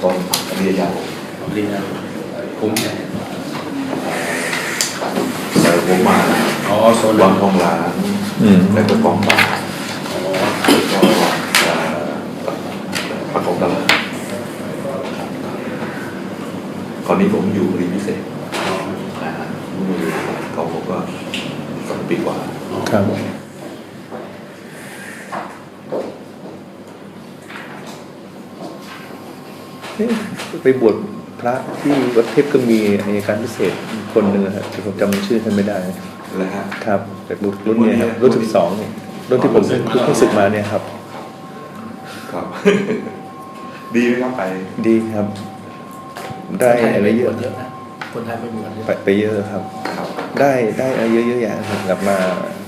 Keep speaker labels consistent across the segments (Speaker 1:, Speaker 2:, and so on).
Speaker 1: ตอนเรียนยาว
Speaker 2: เรียนคุ้มไง
Speaker 1: แต่ผมมา
Speaker 2: โซน
Speaker 1: วางทองหลางแล้วก็กองป่าแล้วก็ประกอบตลาดตอนนี้ผมอยู่เรียนพิเศษเขาผมก็2 ปีกว่า
Speaker 3: ครับไปบวชพระที่วัดเทพก็มีอัยการพิเศษคนหนึ่งครับแต่ผมจำชื่อท่านไม่ได้
Speaker 1: แล้ว
Speaker 3: ครับแต่รุ่นนี้ครับรุ่น12เนี่ยรุ่นที่ผมเพิ่งศึกมาเนี่ยครับ
Speaker 1: ครับดีไหมครับ
Speaker 3: ดีครับได้อะไรเยอะ
Speaker 2: คนไทยไปบวช
Speaker 3: ไปเยอะครับได้อะไรเยอะๆอย่างกลับมา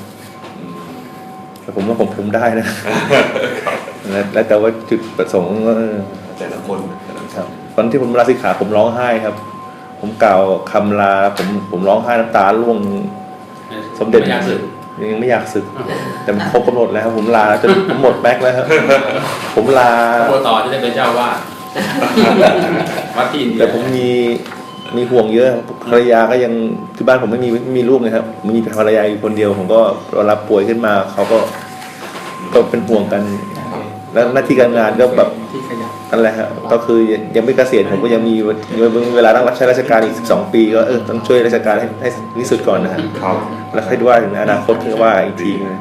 Speaker 3: แต่ผมว่าผมได้นะแล้วแต่ว่าจุดประสงค์
Speaker 1: แต่ละคน
Speaker 3: ครับตอนที่ผมลาสิกขาผมร้องไห้ครับผมกล่าวคำลาผมร้องไห้น้ำตาร่วงสมเด็จยังไม่อยากศึกแต่ครบกำหนดแล้วผมลาจนผมหมดแม็กแล้วครับผมลา
Speaker 2: ต่อที่จะเป็นเจ้าว่าวัดที่อินเดีย
Speaker 3: แต่ผมมีห่วงเยอะภรรยาก็ยังที่บ้านผมไม่มีลูกเลยครับมีภรรยาอยู่คนเดียวผมก็รับป่วยขึ้นมาเขาก็เป็นห่วงกันแล้วหน้าที่การงานก็แบบนั่นแหละครับก็คือยังไม่เกษียณผมก็ยังมีเวลาต้องรับใช้ราชการอีก12 ปีก็ต้องช่วยราชการให้ที่สุดก่อนนะครับแล้วค่อยว่าถึงอนาคตคือว่าอีกทีนึง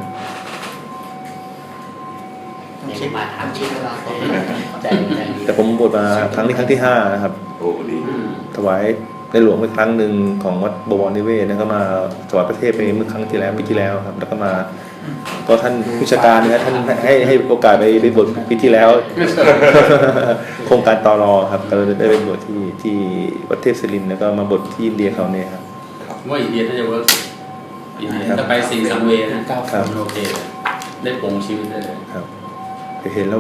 Speaker 3: แต่ผมบวชมาครั้งที่5นะครับถวายในหลวงไปครั้งหนึ่งของวัดบวรนิเวศแล้วก็มาถวายประเทศไปเมื่อครั้งที่แล้วปีที่แล้วครับแล้วก็มาก็ท่านผู้จัดการเนี่ยท่านให้โอกาสไปบวชปีที่แล้วโครงการตรครับก็เลยได้ไปบวชที่วัดเทพศิรินทร์แล้วก็มาบวชที่อินเดียเขาเนี่ยครับ
Speaker 2: ว่าอินเดียถ้าจะเวิร์กอินเดียจะไปสิงสังเวนะโอเคได้ปรงชีวิตได้เลย
Speaker 3: ครับเห็นแล้ว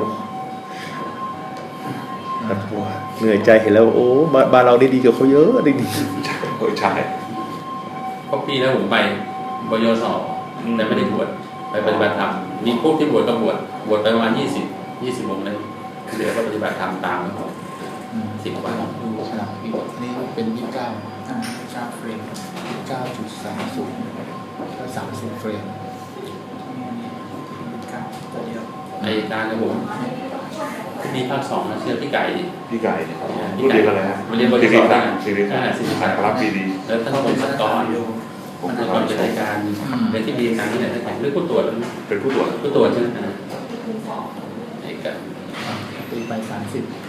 Speaker 3: เหนื่อยใจเห็นแล้วโอ้บ้านเราได้ดีกว่าเขาเยอะดี
Speaker 1: ใช่
Speaker 2: เพราะปีแล้วผมไปบยศแต่ไม่ได้บวชไปปฏิบัติธรรมมีพวกที่บวชก็บวชไปประมาณ20 วงเลยเดี๋ยวก็ปฏิบัติธรรมตามเขา10 วัน
Speaker 4: ดูฉลากนี่เป็น29ชาเฟรม 29.30 ก็30เฟรมตัวเดียว
Speaker 2: ในการนะผมมีภาค2นะเชื่อพี่ไก่
Speaker 1: เนี่ยรุ่นเดียวกันเลยฮะ
Speaker 2: เรียนบริษัทได้
Speaker 1: 40 พันรับปีดี
Speaker 2: แล้วท่านผมสักก่อนเป็นรายการเป็นที่ดีการที่ไหนต่างๆหรือผู้ตรวจ
Speaker 1: เป็นผู้ตร
Speaker 2: วจใช่ไหมไอ้กัน
Speaker 4: ตีไป30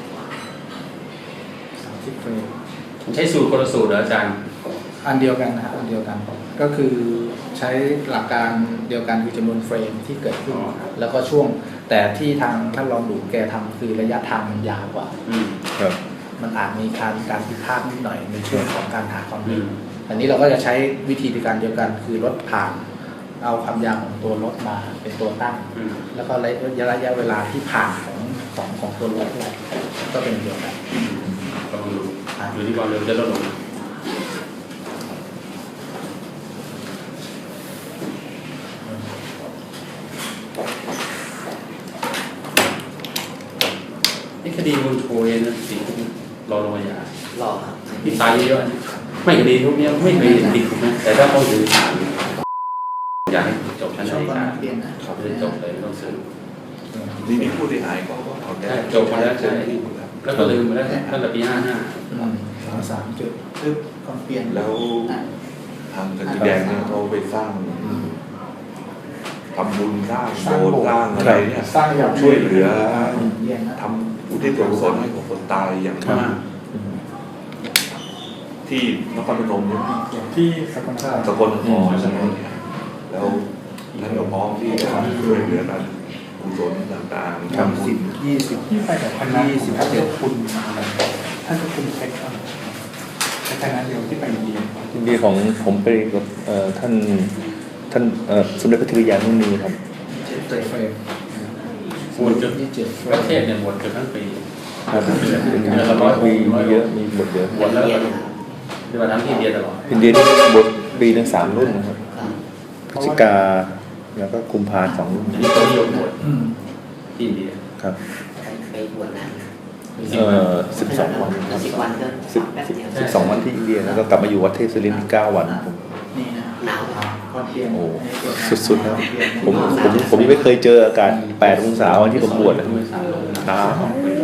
Speaker 4: เฟรม
Speaker 2: ใช้สูตรคนละสูตรเหรออาจารย์
Speaker 4: อันเดียวกันนะอันเดียวกันก็คือใช้หลักการเดียวกันคือจำนวนเฟรมที่เกิดขึ้นแล้วก็ช่วงแต่ที่ทางท่านรองดูแกทำคือระยะทางมันยาวกว่า
Speaker 3: ครับ
Speaker 4: มันอาจมีการผิดพลาดนิดหน่อยในช่วงของการหาความลึกอันนี้เราก็จะใช้วิธีการเดียวกันคือลดผ่านเอาความยาวของตัวรถมาเป็นตัวตั้งแล้วก็ระยะเวลาที่ผ่านของตัวรถก็เป็นเดียวกัน
Speaker 2: ต้องดูอยู่ที่ความเร็วจะลดลงนี่คดีบุญโชยนะสิ่งรอลงยารอครับที่ตายเยอะไม่คดีพวกนี้ไม่เคยติดนะแต่ถ้าเขาถือศาลอยากให้จบชั้นในการเขาจะจบเลยต้องซื้อ
Speaker 1: นี่ผู้เสียหายก็
Speaker 2: จบมาแล้วใช่แล้วก็ลืมมาแล้วตั้งแต่ปี
Speaker 4: 53จุดคือความเปลี่ยน
Speaker 1: แล้วทางกันแดงเนี่ยเขาไปสร้างทำบุญสร้างโบสถ์สร้างอะไรเนี่ย
Speaker 4: สร้างอย่าง
Speaker 1: ช่วยเหลือทำอุทิศส่วนกุศลให้กับคนตายอย่างมากที่นครพนมเนี่ย
Speaker 4: ที่สกล
Speaker 1: นครใช่ไหมแล้วท่านก็พร้อมที่จะช่วยเหลือกันกุศลต่างๆ
Speaker 4: ทำ10-20ที่ไปแต่20-27คุณท่านก็คุณเพชรคณะเดียวที่ไปอินเดีย
Speaker 3: ของผมไปกับท่านสมเด็จพระธีรยานุนีครับ
Speaker 2: บวชจนประเทศเนี่ยบวชจนทั้งปี
Speaker 3: เป็นเดือนละ100 ปีมีเยอะมีบวชเยอะ
Speaker 2: บวชแล้วที่มาทั้งที่อินเดียตลอด
Speaker 3: อินเดียบวชปีนึง3 รุ่นนะครับพฤศจิกาแล้วก็กุมภา2 รุ่น
Speaker 2: นี่ตัวนิยมบวชที่อินเดีย
Speaker 3: ครับ
Speaker 5: ไปบวชนาน
Speaker 3: 12 วัน
Speaker 5: 10 วันก็
Speaker 3: 12 วันที่อินเดียแล้วก็กลับมาอยู่วัดเทพศิรินทร์อีก9 วันผม
Speaker 4: นี่นะ
Speaker 5: หนาว
Speaker 3: โอ้สุดๆนะผมยังไม่เคยเจออากาศ8 องศาวันที่ผมบวชนะหนาว